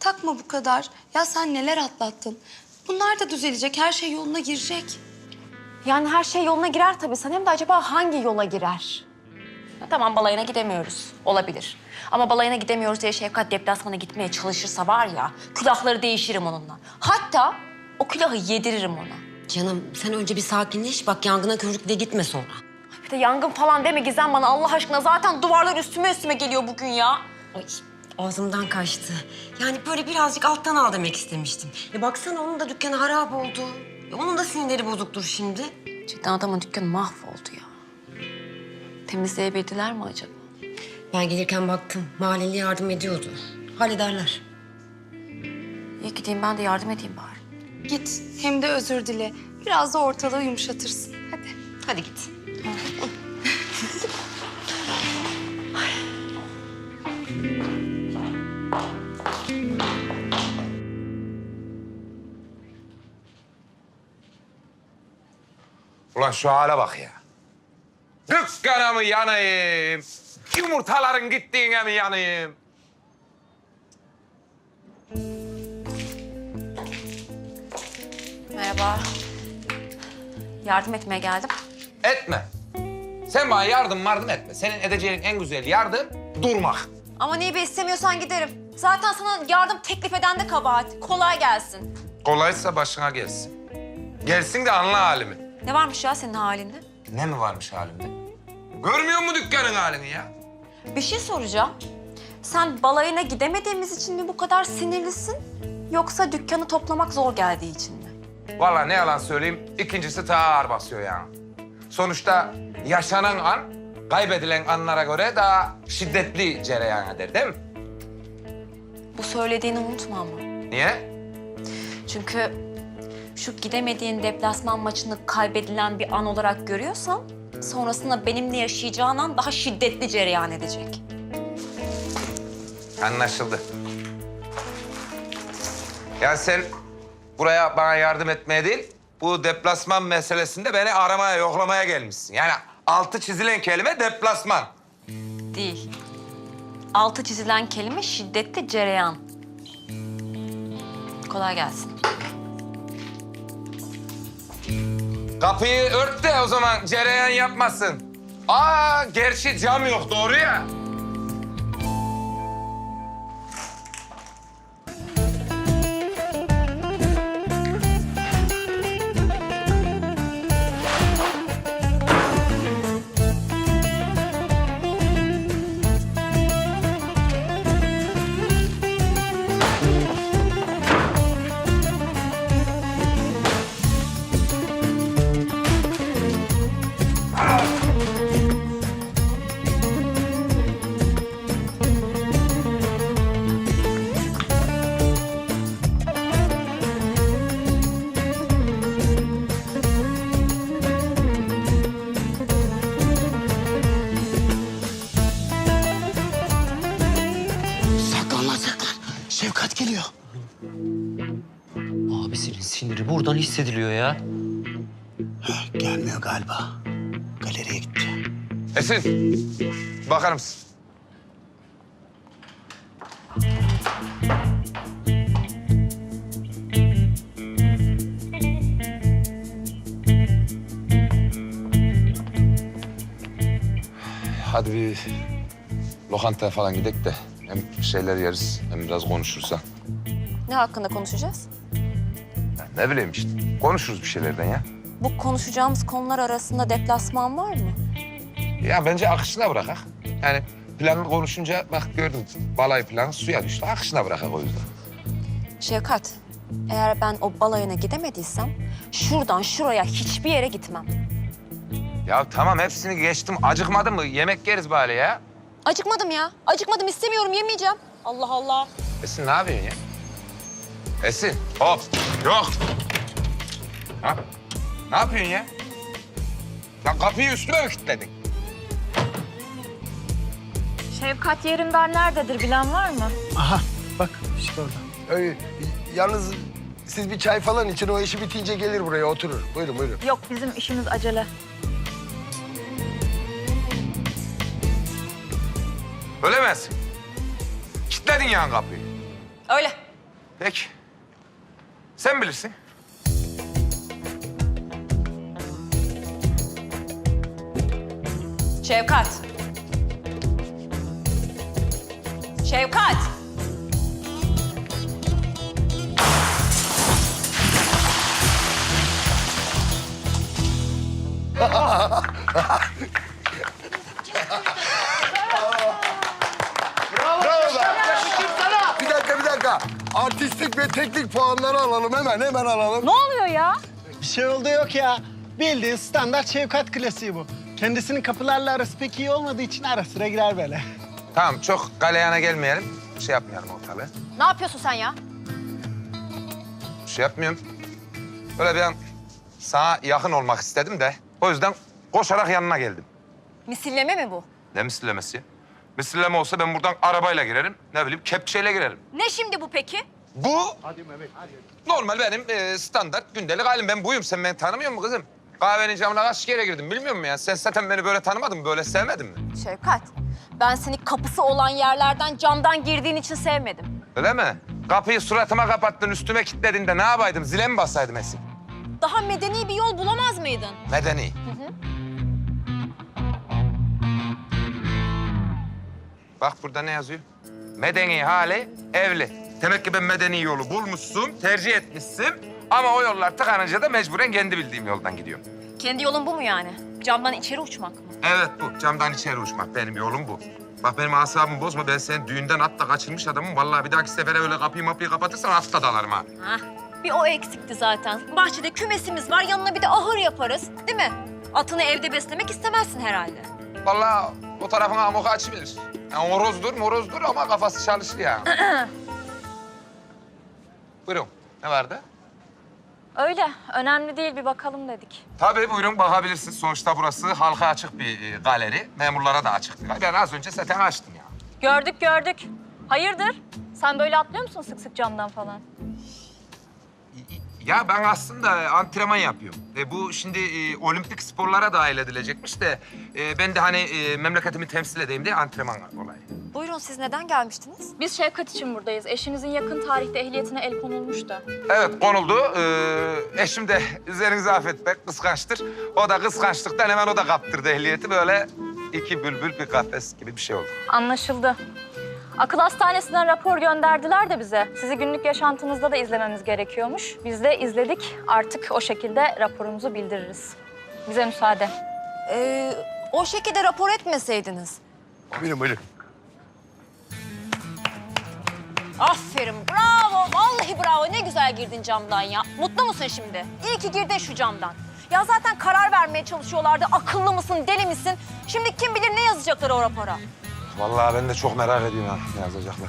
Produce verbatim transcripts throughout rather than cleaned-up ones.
takma bu kadar. Ya sen neler atlattın. Bunlar da düzelecek, her şey yoluna girecek. Yani her şey yoluna girer tabii. Sen hem de acaba hangi yola girer? Ya tamam, balayına gidemiyoruz. Olabilir. Ama balayına gidemiyoruz diye Şefkat deplasmana gitmeye çalışırsa var ya... ...külahları değişirim onunla. Hatta o külahı yediririm ona. Canım sen önce bir sakinleş. Bak yangına körükle gitme sonra. Bir de yangın falan deme Gizem bana Allah aşkına. Zaten duvarlar üstüme üstüme geliyor bugün ya. Ay ağzımdan kaçtı. Yani böyle birazcık alttan al demek istemiştim. E baksana onun da dükkanı harap oldu. E onun da sinirleri bozuktur şimdi. Cidden adamın dükkanı mahvoldu ya. Temizleyebildiler mi acaba? Ben gelirken baktım. Mahalleli yardım ediyordu. Hallederler. İyi gideyim ben de yardım edeyim bari. Git, hem de özür dile. Biraz da ortalığı yumuşatırsın. Hadi. Hadi git. Ulan şu hale bak ya. Dükkana mı yanayım? Yumurtaların gittiğine mi yanayım? Merhaba. Yardım etmeye geldim. Etme. Sen bana yardım yardım etme. Senin edeceğin en güzel yardım durmak. Ama niye be, istemiyorsan giderim. Zaten sana yardım teklif eden de kabahat. Kolay gelsin. Kolaysa başına gelsin. Gelsin de anla halimi. Ne varmış ya senin halinde? Ne mi varmış halimde? Görmüyor musun dükkanın halini ya? Bir şey soracağım. Sen balayına gidemediğimiz için mi bu kadar sinirlisin? Yoksa dükkanı toplamak zor geldiği için mi? Vallahi ne yalan söyleyeyim, ikincisi daha ağır basıyor yani. Sonuçta yaşanan an, kaybedilen anlara göre daha şiddetli cereyan eder değil mi? Bu söylediğini unutma ama. Niye? Çünkü şu gidemediğin deplasman maçını kaybedilen bir an olarak görüyorsan... ...sonrasında benimle yaşayacağın an daha şiddetli cereyan edecek. Anlaşıldı. Yani sen buraya bana yardım etmeye değil, bu deplasman meselesinde beni aramaya, yoklamaya gelmişsin. Yani altı çizilen kelime deplasman. Değil. Altı çizilen kelime şiddetli cereyan. Kolay gelsin. Kapıyı ört de o zaman cereyan yapmasın. Aa, gerçi cam yok, doğru ya. Saklan lan saklan. Şefkat geliyor. Abisinin siniri buradan hissediliyor ya. Heh, gelmiyor galiba. Galeriye gitti. Esin, bakar mısın? Hadi bir lokantaya falan gidelim de hem şeyler yeriz hem biraz konuşuruz ha. Ne hakkında konuşacağız? Ya ne bileyim işte konuşuruz bir şeylerden ya. Bu konuşacağımız konular arasında deplasman var mı? Ya bence akışına bırakak. Yani planı konuşunca bak gördüm balayı planı suya düştü. Akışına bırakak o yüzden. Şevkat, eğer ben o balayına gidemediysem... ...şuradan şuraya hiçbir yere gitmem. Ya tamam hepsini geçtim. Acıkmadın mı? Yemek yeriz bari ya. Acıkmadım ya. Acıkmadım, istemiyorum, yemeyeceğim. Allah Allah. Esin ne yapıyorsun ya? Esin hop yok. Ha? Ne yapıyorsun ya? Lan kapıyı üstüme mi kilitledin? Şevkat Yerimdar nerededir, bilen var mı? Aha bak işte orada. Öyle, yalnız siz bir çay falan için o işi bitince gelir buraya oturur. Buyurun buyurun. Yok, bizim işimiz acele. Öyle mi Esin? Kilitledin yani kapıyı. Öyle. Peki. Sen bilirsin. Şevkat. Şevkat. Bir dakika, bir dakika. Artistik ve teknik puanları alalım hemen, hemen alalım. Ne oluyor ya? Bir şey oldu yok ya. Bildiğin standart Şevkat klasiği bu. Kendisinin kapılarla arası pek iyi olmadığı için ara sıra girer böyle. Tamam, çok galeyana gelmeyelim. Şey yapmayalım ortalığı. Ne yapıyorsun sen ya? Bir şey yapmıyorum. Böyle bir an sana yakın olmak istedim de o yüzden koşarak yanına geldim. Misilleme mi bu? Ne misillemesi ya? Misilleme olsa ben buradan arabayla girerim, ne bileyim kepçeyle girerim. Ne şimdi bu peki? Bu normal benim e, standart gündelik halim. Ben buyum. Sen beni tanımıyor musun kızım? Kahvenin camına kaç kere girdim bilmiyor musun ya? Sen zaten beni böyle tanımadın mı? Böyle sevmedin mi? Şevkat, ben seni kapısı olan yerlerden camdan girdiğin için sevmedim. Öyle mi? Kapıyı suratıma kapattın, üstüme kilitledin de ne yapaydım? Zile mi basaydım Esin? Daha medeni bir yol bulamaz mıydın? Medeni. Bak burada ne yazıyor? Medeni hali evli. Demek ki ben medeni yolu bulmuşsun, tercih etmişsin. Ama o yollar tıkanınca da mecburen kendi bildiğim yoldan gidiyorum. Kendi yolun bu mu yani? Camdan içeri uçmak mı? Evet bu. Camdan içeri uçmak. Benim yolum bu. Bak benim asabımı bozma. Ben senin düğünden atla kaçırmış adamım. Vallahi bir dahaki sefere öyle kapıyı mapıyı kapatırsan atla dalarım ha. Hah, bir o eksikti zaten. Bahçede kümesimiz var, yanına bir de ahır yaparız, değil mi? Atını evde beslemek istemezsin herhalde. Vallahi o tarafın amoku açıverir. Yani horozdur morozdur ama kafası çalışır ya. Buyurun. Ne vardı? Öyle, önemli değil, bir bakalım dedik. Tabii buyurun bakabilirsiniz. Sonuçta burası halka açık bir e, galeri. Memurlara da açık. Ben az önce zaten açtım ya. Gördük, gördük. Hayırdır? Sen böyle atlıyor musun sık sık camdan falan? Ya ben aslında antrenman yapıyorum. E, bu şimdi e, olimpik sporlara dahil edilecekmiş de... E, ben de hani e, memleketimi temsil edeyim diye antrenman olayı. Buyurun, siz neden gelmiştiniz? Biz Şevkat için buradayız. Eşinizin yakın tarihte ehliyetine el konulmuş da. Evet konuldu. Ee, eşim de üzerinize affetmek kıskançtır. O da kıskançlıktan hemen o da kaptırdı ehliyeti. Böyle iki bülbül bir kafes gibi bir şey oldu. Anlaşıldı. Akıl hastanesinden rapor gönderdiler de bize. Sizi günlük yaşantınızda da izlememiz gerekiyormuş. Biz de izledik. Artık o şekilde raporumuzu bildiririz. Bize müsaade. Ee, o şekilde rapor etmeseydiniz. Buyurun, buyurun. Aferin, bravo. Vallahi bravo. Ne güzel girdin camdan ya. Mutlu musun şimdi? İyi ki girdin şu camdan. Ya zaten karar vermeye çalışıyorlardı. Akıllı mısın, deli misin? Şimdi kim bilir ne yazacaklar o rapora? Vallahi ben de çok merak ediyorum ha ne yazacaklar.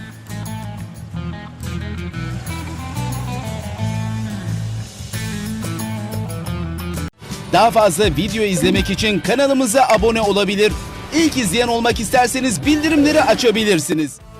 Daha fazla video izlemek için kanalımıza abone olabilir. İlk izleyen olmak isterseniz bildirimleri açabilirsiniz.